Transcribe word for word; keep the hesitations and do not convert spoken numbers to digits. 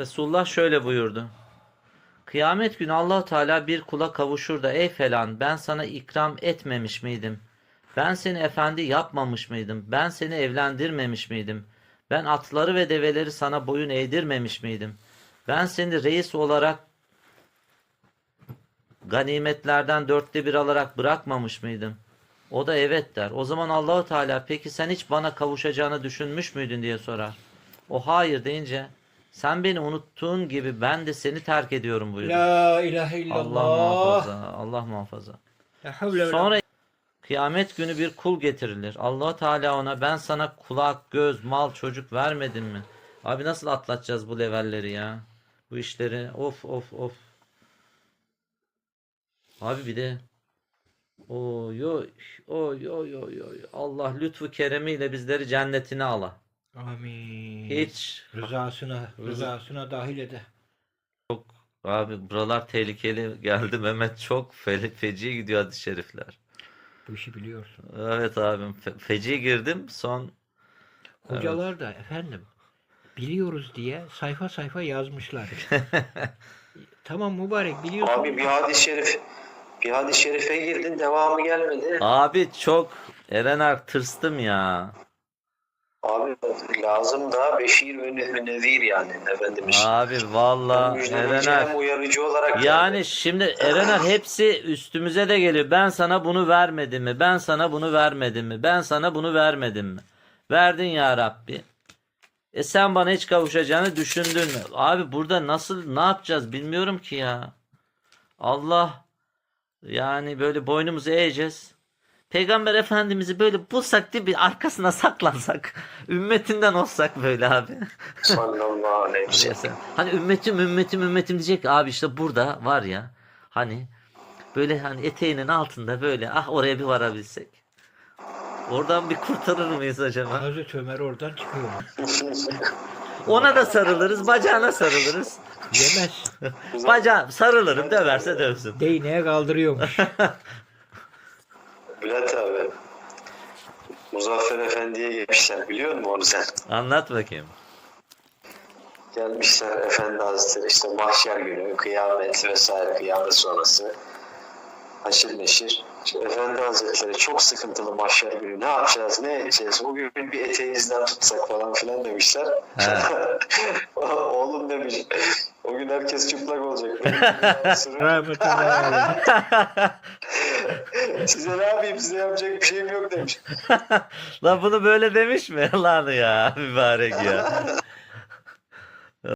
Resulullah şöyle buyurdu. Kıyamet günü Allah Teala bir kula kavuşur da ey falan ben sana ikram etmemiş miydim? Ben seni efendi yapmamış mıydım? Ben seni evlendirmemiş miydim? Ben atları ve develeri sana boyun eğdirmemiş miydim? Ben seni reis olarak ganimetlerden dörtte bir alarak bırakmamış mıydım? O da evet der. O zaman Allahu Teala peki sen hiç bana kavuşacağını düşünmüş müydün diye sorar. O hayır deyince sen beni unuttuğun gibi ben de seni terk ediyorum buyurur. La ilahe Allah illallah. muhafaza, Allah muhafaza. La havle ve la- Sonra kıyamet günü bir kul getirilir. Allah Teala ona ben sana kulak, göz, mal, çocuk vermedim mi? Abi nasıl atlatacağız bu levelleri ya? Bu işleri of of of. Abi bir de oy oy oy oy oy oy. Allah lütfu keremiyle bizleri cennetine ala. Amin. Hiç Rızasına, rızasına dahil ede. abi buralar tehlikeli geldi Mehmet, çok fe feci gidiyor hadis-i şerifler. Bu işi biliyorsun. Evet abim fe feci girdim son. Hocalar da efendim biliyoruz diye sayfa sayfa yazmışlar. Tamam mübarek biliyorsun. Abi bir hadis-i şerif, bir hadis-i şerife girdin, devamı gelmedi. Abi çok Erener tırstım ya. Abi lazım da beşir ve ne- nezir yani Efendimiz. Abi valla Müjdeleyici Erener. hem uyarıcı olarak Yani geldi. şimdi Erener hepsi üstümüze de geliyor. Ben sana bunu vermedim mi? Ben sana bunu vermedim mi? Ben sana bunu vermedim mi? Verdin ya Rabbi. E sen bana hiç kavuşacağını düşündün mü? Abi burada nasıl ne yapacağız bilmiyorum ki ya. Allah yani böyle boynumuzu eğeceğiz. Peygamber Efendimiz'i böyle bulsak değil bir arkasına saklansak. Ümmetinden olsak böyle abi. Sallallahu aleyhi ve sellem. Mesela, hani ümmetim ümmetim ümmetim diyecek abi işte burada var ya hani böyle hani eteğinin altında böyle ah oraya bir varabilsek. Oradan bir kurtarır mıyız acaba? Hazreti Ömer oradan çıkıyor. Ona da sarılırız, bacağına sarılırız. Yemez. Bacağı sarılırım, döverse dövsün. Değneğe kaldırıyormuş. Bülent abi, Muzaffer Efendi'ye gelmişler, biliyor musun onu sen? Anlat bakayım. Gelmişler Efendi Hazretleri, işte mahşer günü, kıyamet vesaire, kıyamet sonrası. Haşir neşir. İşte Efendi Hazretleri çok sıkıntılı mahşer günü. Ne yapacağız, ne edeceğiz? Bugün bir eteğinizden tutsak falan filan demişler. Oğlum demiş, o gün herkes çıplak olacak. Rahmetullahi aleyh. Size ne yapayım, size yapacak bir şeyim yok demiş. Lan bunu böyle demiş mi? Lan ya mübarek ya.